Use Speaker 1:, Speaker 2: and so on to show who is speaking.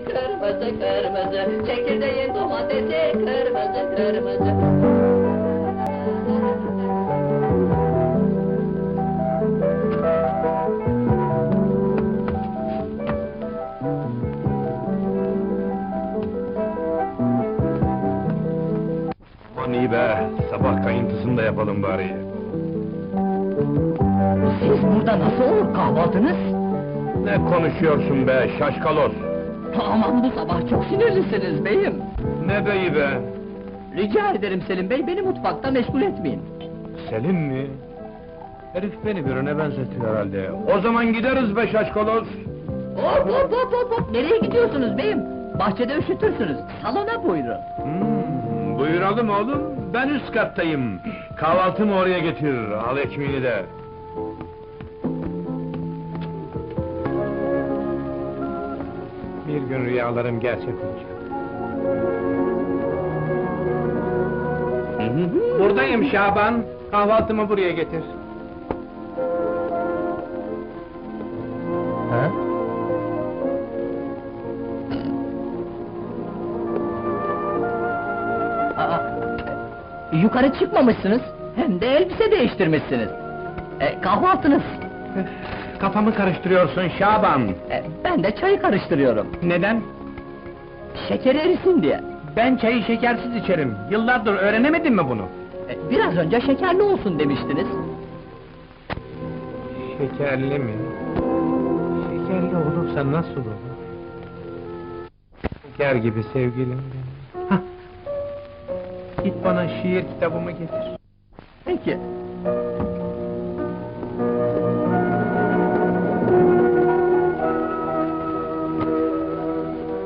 Speaker 1: kırmızı kırmızı, çekirdeğin domatesi kırmızı kırmızı.
Speaker 2: Aman iyi be, sabah kayıntısını da yapalım bari.
Speaker 1: Siz burada nasıl olur kahvaltınız?
Speaker 2: Ne konuşuyorsun be, şaşkalos?
Speaker 1: Aman bu sabah çok sinirlisiniz beyim.
Speaker 2: Ne beyi be?
Speaker 1: Rica ederim Selim Bey, beni mutfakta meşgul etmeyin.
Speaker 2: Selim mi? Herif beni birine benzetiyor herhalde. O zaman gideriz be şaşkalos!
Speaker 1: Hop hop hop hop hop! Nereye gidiyorsunuz beyim? Bahçede üşütürsünüz, salona buyurun.
Speaker 2: Buyuralım oğlum, ben üst kattayım. Kahvaltımı oraya getir, al ekmeğini de. Bir gün rüyalarım gerçek olacak. Buradayım Şaban, kahvaltımı buraya getir. Ha?
Speaker 1: Yukarı çıkmamışsınız, hem de elbise değiştirmişsiniz. Kahvaltınız.
Speaker 2: Kafamı karıştırıyorsun Şaban.
Speaker 1: Ben de çayı karıştırıyorum.
Speaker 2: Neden?
Speaker 1: Şeker erisin diye.
Speaker 2: Ben çayı şekersiz içerim. Yıllardır öğrenemedin mi bunu?
Speaker 1: Biraz önce şekerli olsun demiştiniz.
Speaker 2: Şekerli mi? Şekerli olursa nasıl olur? Şeker gibi sevgilim benim. Hah! Git bana şiir kitabımı getir.
Speaker 1: Peki,